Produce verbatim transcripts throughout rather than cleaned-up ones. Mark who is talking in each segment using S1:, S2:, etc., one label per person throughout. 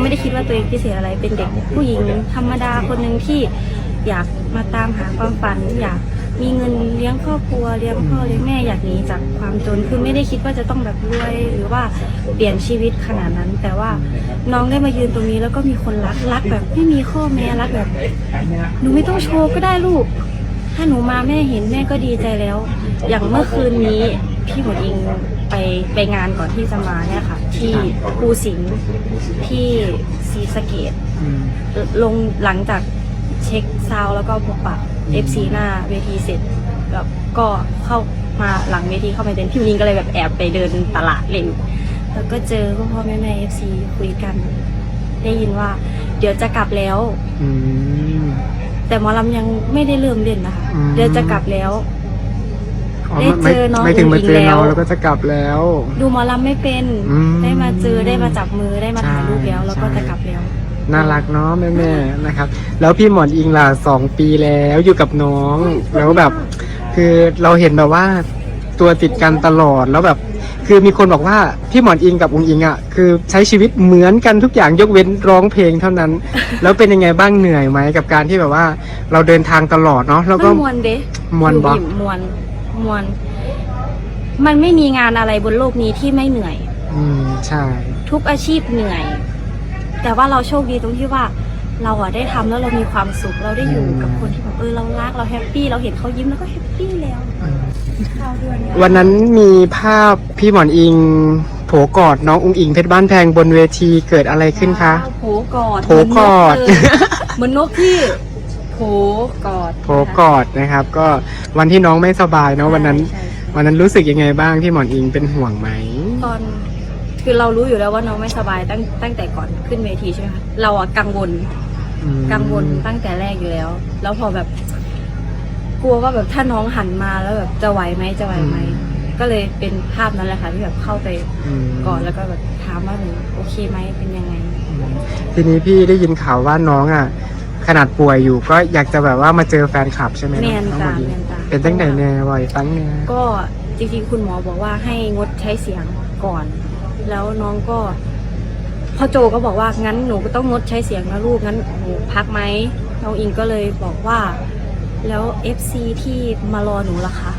S1: ไม่ได้คิดว่าตัวเองพิเศษอะไรเป็นเด็กผู้หญิงธรรมดาคนหนึ่งที่อยากมาตามหาความฝันอยากมีเงินเลี้ยงครอบครัวเลี้ยงพ่อเลี้ยงแม่อยากหนีจากความจนคือไม่ได้คิดว่าจะต้องแบบรวยหรือว่าเปลี่ยนชีวิตขนาดนั้นแต่ว่าน้องได้มายืนตรงนี้แล้วก็มีคนรักรักแบบไม่มีข้อแม้รักแบบหนูไม่ต้องโชว์ก็ได้ลูกถ้าหนูมาแม่เห็นแม่ก็ดีใจแล้วอย่างเมื่อคืนนี้พี่หมดอิงไปไปงานก่อนที่จะมาเนี่ยค่ะที่ภูสิงห์ที่ศรีสะเกษลงหลังจากเช็คซาวแล้วก็พบปะ เอฟ ซี หน้าเวทีเสร็จแบบก็เข้ามาหลังเวทีเข้าไปเดินพี่หมดอิงก็เลยแบบแอบไปเดินตลาดเล่นแล้วก็เจอพ่อพ่อแม่แม่ เอฟ ซี คุยกันได้ยินว่าเดี๋ยวจะกลับแล้วแต่หมอลำยังไม่ได้เริ่มเล่นนะคะเดี๋ยวจะกลับแล้วได้เจอน้องไม่ถึงมาเจอน้องแล้วก็จะกลับแล้วดูหมอลำไม่เป็นได้มาเจอได้มาจับมือได้มาถ่ายรูปแล้วแล้วก็จะกลับแล้ว
S2: น่ารักเนาะแม่แม่นะครับแล้วพี่หมอนอิงล่ะสองปีแล้วอยู่กับน้องแล้วแบบคือเราเห็นแบบว่าตัวติดกันตลอดแล้วแบบคือมีคนบอกว่าพี่หมอนอิงกับอุ๋งอิงอ่ะคือใช้ชีวิตเหมือนกันทุกอย่างยกเว้นร้องเพลงเท่านั้น แล้วเป็นยังไงบ้างเหนื่อยไหมกับการที่แบบว่าเราเดินทางตลอดเนาะแล้วก็
S1: มวนเด้
S2: มวนบอ
S1: มวนมวนมันไม่มีงานอะไรบนโลกนี้ที่ไม่เหนื่อย
S2: อืมใช่
S1: ทุกอาชีพเหนื่อยแต่ว่าเราโชคดีตรงที่ว่าเราอะได้ทำแล้วเรามีความสุขเราได้อยู่กับคนที่แบบเออเรารักเราแฮปปี้เราเห็นเขายิ้มแล้วก็แฮปปี้แล้ว
S2: วันนั้นมีภาพพี่หมอนอิงโผกอดน้องอุ๋งอิงเพชรบ้านแพงบนเวทีเกิดอะไรขึ้นคะ
S1: โผกอด
S2: โผกอด
S1: เหมือนนกที่โผกอด
S2: โผกอดนะครับก็วันที่น้องไม่สบายเนาะวันนั้นวันนั้นรู้สึกยังไงบ้างพี่หมอนอิงเป็นห่วงไหม
S1: ตอนคือเรารู้อยู่แล้วว่าน้องไม่สบายตั้งตั้งแต่ก่อนขึ้นเวทีใช่ไหมคะเราอะกังวลกังวลตั้งแต่แรกอยู่แล้วแล้วพอแบบกลัวว่าแบบถ้าน้องหันมาแล้วแบบจะไหวไหมจะไหวไหมก็เลยเป็นภาพนั้นแหละค่ะที่แบบเข้าไปก่อนแล้วก็แบบถามว่าหนูโอเคไหมเป็นยังไง
S2: ทีนี้พี่ได้ยินข่าวว่าน้องอ่ะขนาดป่วยอยู่ก็อยากจะแบบว่ามาเจอแฟนคลับใช่ไหม
S1: แม่นจ้าแม่นจ้า
S2: เป็นตั้งแต่แน่บ่อยตั้งแน่
S1: ก็จริงๆคุณหมอบอกว่าให้งดใช้เสียงก่อนแล้วน้องก็พ่อโจก็บอกว่างั้นหนูก็ต้องงดใช้เสียงนะลูกงั้นหนูพักไหมน้องอิงก็เลยบอกว่าแล้ว เอฟ ซี ที่มารอหนูล่ะคะ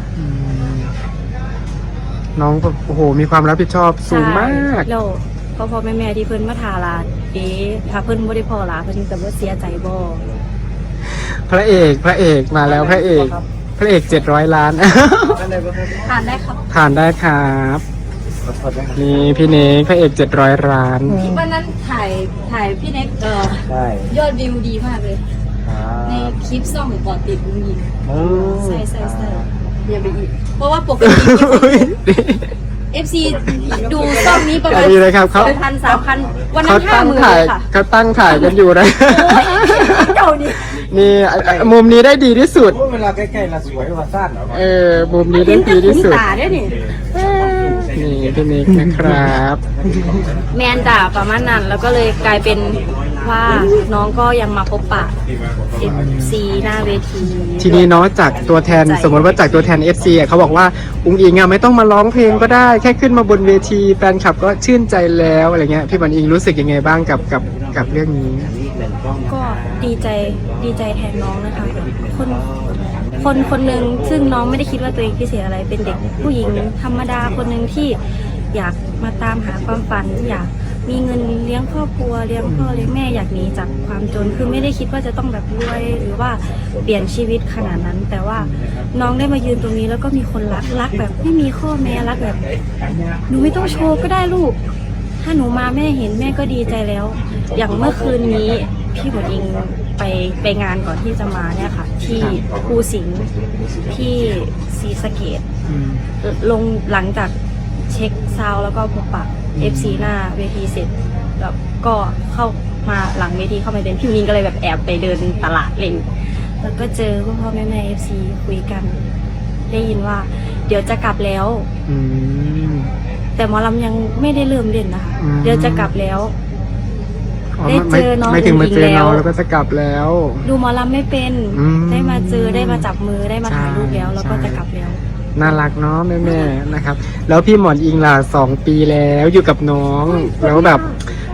S2: น้องแบบโอ้โหมีความรับผิดชอบสูงมาก
S1: แล้วพ่อพ่อแม่แม่ที่เพิ่นมาทาลาเอ๊ะถ้าเพิ่นบ่ได้พอละเพิ่นจะบ่เสียใจบ่
S2: พระเอกพระเอกมาแล้วพระเอกพระเอกเจ็ดร้อยล้าน
S1: ผ่านได้ครับ
S2: ผ่านได้ครับนี่พี่เน็กพระเอกเจ็ดร้อยล้าน
S1: ที่วันนั้นถ่ายถ่ายพี่เน็กเออยอดวิวดีมากเลยในคลิปซ่องกอดติดมึงยิงใช่ใช่ใช่อย่าไปอีกเพราะว่าปกติ เอฟ ซี ดูซ่องนี้ประมาณเป็นพันสามพันวันนั้นห้าหมื่นเลยค่ะ
S2: เขาตั้งถ่ายกันอยู่นะ
S1: เจ้านี่
S2: นี่มุมนี้ได้ดีที่สุด
S3: เวลาใกล้ๆเราสวยกว่าสั้นเหรอ
S2: เออมุมนี้ได้ดีที่สุด
S1: นี่
S2: พี่นิกนะครับ
S1: แมนด่าประมาณนั้นแล้วก็เลยกลายเป็นว่าน้องก็ยังมาพบปะ เอฟ ซี หน้าเวที
S2: ทีนี้เนาะจากตัวแทนสมมติว่าจากตัวแทน เอฟ ซี อ่ะเขาบอกว่าอุ๋งอิงอ่ะไม่ต้องมาร้องเพลงก็ได้แค่ขึ้นมาบนเวทีแฟนคลับก็ชื่นใจแล้วอะไรเงี้ยพี่หมอนอิงรู้สึกยังไงบ้างกับกับกับเรื่องนี้
S1: ก็ดีใจดีใจแทนน้องนะคะคนคนคนหนึ่งซึ่งน้องไม่ได้คิดว่าตัวเองพิเศษอะไรเป็นเด็กผู้หญิงธรรมดาคนหนึ่งที่อยากมาตามหาความฝันอยากมีเงินเลี้ยงครอบครัวเลี้ยงพ่อเลี้ยงแม่อยากหนีจากความจนคือไม่ได้คิดว่าจะต้องแบบรวยหรือว่าเปลี่ยนชีวิตขนาดนั้นแต่ว่าน้องได้มายืนตรงนี้แล้วก็มีคนรักรักแบบไม่มีข้อแม้รักแบบหนูไม่ต้องโชว์ก็ได้ลูกถ้าหนูมาแม่เห็นแม่ก็ดีใจแล้วอย่างเมื่อคืนนี้พี่หมดอิงไปไปงานก่อนที่จะมาเนี่ยค่ะที่ภูสิงห์ที่ศรีสะเกษลงหลังจากเช็คซาวแล้วก็พบปะ เอฟ ซี หน้าเวทีเสร็จแล้วก็เข้ามาหลังเวทีเข้ามาเดินพี่มิงก็เลยแบบแอบไปเดินตลาดเล่นแล้วก็เจอพ่อพ่อแม่แม่ เอฟ ซี คุยกันได้ยินว่าเดี๋ยวจะกลับแล้วแต่หมอลำยังไม่ได้เริ่มเล่นนะคะเดี๋ยวจะกลับแล้วได้เจอน้อง
S2: ไม่ถึงมาเจอน้องแล้วก็จะกลับแล้ว
S1: ดูหมอลำไม่เป็นได้มาเจอได้มาจับมือได้มาถ่ายรูปแล้วแล้วก็จะกลับแล้ว
S2: น่ารักเนาะแม่แม่นะครับแล้วพี่หมอนอิงล่ะสองปีแล้วอยู่กับน้องแล้วแบบค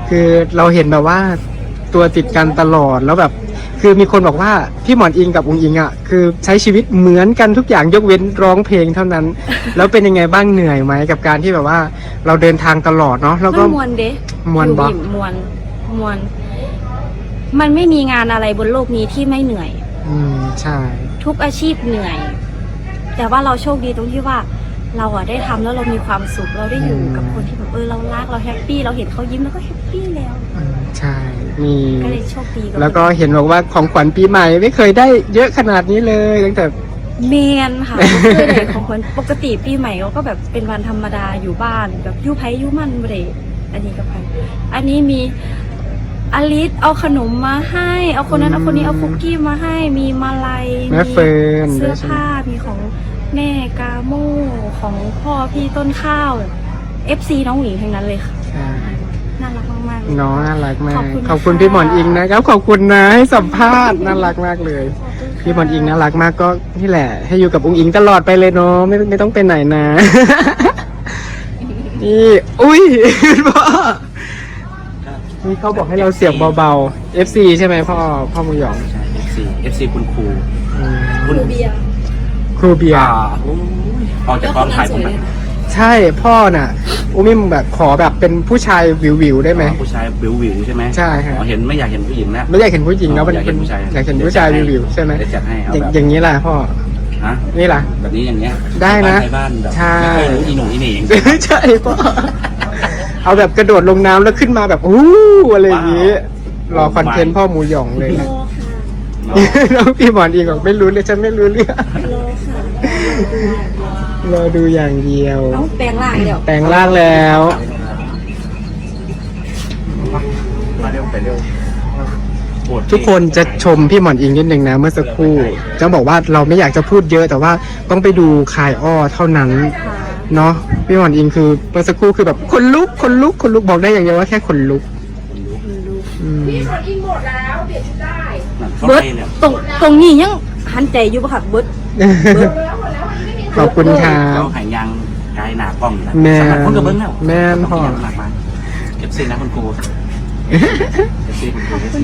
S2: คือเราเห็นแบบว่าตัวติดกันตลอดแล้วแบบ คือมีคนบอกว่าพี่หมอนอิงกับอุงอิงอ่ะคือใช้ชีวิตเหมือนกันทุกอย่างยกเว้นร้องเพลงเท่านั้น แล้วเป็นยังไงบ้างเหนื่อยไหมกับการที่แบบว่า เราเดินทางตลอดเนาะแล้วก็
S1: มันมวนเด้
S2: มวนบ่
S1: อยู่บิ่มมวนมวน มันไม่มีงานอะไรบนโลกนี้ที่ไม่เหนื่อย
S2: อืมใช่
S1: ทุกอาชีพเหนื่อย แต่ว่าเราโชคดีตรงที่ว่า เราอะได้ทำแล้วเรามีความสุขเราได้อยู่กับคนที่แบบเออเรารักเราแฮปปี้เราเห็นเขายิ้มแล้วก็แฮปปี้แล้ว
S2: อืมใช่มี
S1: ก็เลยโชคดีบ
S2: แล้วก็เห็นบอกว่าของขวัญปีใหม่ไม่เคยได้เยอะขนาดนี้เลยตั้งแต่
S1: เมนค่ะไม่เคยได้ของคนปกติปีใหม่เราก็แบบเป็นวันธรรมดาอยู่บ้านแบบยู่ไพยู่มันเบรอันนี้ก็ไปอันนี้มีอลิสเอาขนมมาให้ เอาคนนั้นเอาคนนี้เอาคุกกี้มาให้ มีมาลัย
S2: แม่เฟิร์น
S1: เสื้อ
S2: ด้วยใช่ไหม
S1: ผ้ามีของแม่กาโม่ของพ่อพี่ต้นข้าวเอฟซีน้องหญิงทั้งนั้นเลยค่ะ
S2: ใช่
S1: น่ารักมากๆเลย
S2: น้องน่ารักมาก
S1: ขอบคุณ
S2: ขอบคุณ
S1: ค่ะ
S2: พี่หมอนอิงนะครับขอบคุณนะให้สัมภาษณ์น่ารักมากเลย พี่หมอนอิงน่ารักมากก็นี่แหละ ให้อยู่กับอุงอิงตลอดไปเลยเนาะไม่ไม่ต้องไปไหนนะ นี่อุ้ย พ่อนี่เขาบอกให้เราเสียงเบาๆ เอฟ ซี ใช่ไหมพ่อพ่อมุยหยอง
S4: ใช่ เอฟ ซี เอฟ ซี คุณครู
S2: อืม
S4: คุณ
S1: เบียร์
S2: ครูเบียร์
S4: อ่าโอ้ยออกจากกองถ่ายผมแบบ
S2: ใช่พ่อน่ะอุ้มิมแบบขอแบบเป็นผู้ชายวิวๆได้ไหม
S4: ผู้ชายวิววิวๆใช่ไหม
S2: ใช่ครับ
S4: อ๋อเห็นไม่อยากเห็นผู้หญิงแล้ว
S2: ไม่อยากเห็นผู้หญิงแล้วมัน
S4: อยากเห็นผู้ชาย
S2: อยากเห็นผู้ชายวิวๆใช่ไหม
S4: เดี๋ยวจัดให้เอา
S2: อย่าง
S4: แบบ
S2: อย่างนี้แหละพ่อ
S4: ฮะ
S2: นี่ล่ะ
S4: แบบนี้อย่างเงี้ย
S2: ได้นะ
S4: บ้าบ้านแบบ
S2: ใช่
S4: ไม่เคยรู้อีหนุ่มอีเหน่ง
S2: ใช่พ่อเอาแบบกระโดดลงน้ำแล้วขึ้นมาแบบอู้อะไรอย่างนี้ รอคอนเทนต์พ่อหมูหยองเลยนะ
S4: เนาะ
S2: น้องพี่หมอนอีกบอกไม่รู้เลยฉันไม่รู้เรื่อง
S1: โลค่ะ
S2: รอดูอย่างเดียว
S1: น้องแปลงร่างเดี๋ยว
S2: แต่งร่างแล้ว
S4: มาเร็วไปเร็วโอด
S2: ทุกคนจะชมพี่หมอนอิงนิดนึงนะเมื่อสักครู่ จะบอกว่าเราไม่อยากจะพูดเยอะแต่ว่าต้องไปดูคายอ้อเท่านั้น
S1: ค่ะ
S2: เนาะพี่หมอนอิงคือเมื่อสักครู่คือแบบคนลุกคนลุกคนลุกบอกได้อย่างเดียวว่าแค่คนลุกอืม
S4: นั่นเข้า
S1: เบิร์ด
S4: ไปเนี่ย
S1: ตรงตรงนี้ยังหันใจอยู่ปะค่ะเบิร์ด
S2: ขอบคุณครั
S4: เขา
S2: บ
S4: หายยางกายหนากล้องนะ
S2: แม่น
S4: สมัครคนกับเบิ้งแล้ว
S2: แม่นพ่อ
S4: หนักมากเอฟซีนะคุณครูเอฟซีคุณครู FC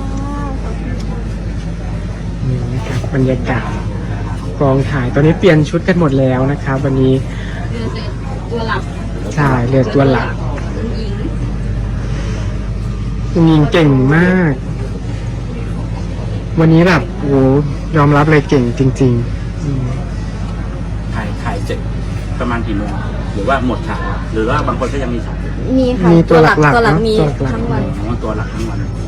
S2: นี่นะครับบรรยากาศกองถ่ายตอนนี้เปลี่ยนชุดกันหมดแล้วนะครับ วันนี้
S1: ตัวหลับ
S2: ใช่เรือตัวหลักคุณยิงเก่งมาก วันนี้แบบโอ้ยอมรับเลยเก่งจริงๆอืม
S4: ถ่ายถ่ายเสร็จประมาณกี่โมงหรือว่าหมดฉากแล้วหรือว่าบางคนก็ยังมีฉากอยู่
S1: มีค่ะ
S2: มีตัวหลักๆ
S1: ตัวหลัก
S2: เนอะ
S1: มี
S2: ตัวหลัก
S1: ทั้งวัน
S4: อ๋อตัวหลักทั้งวัน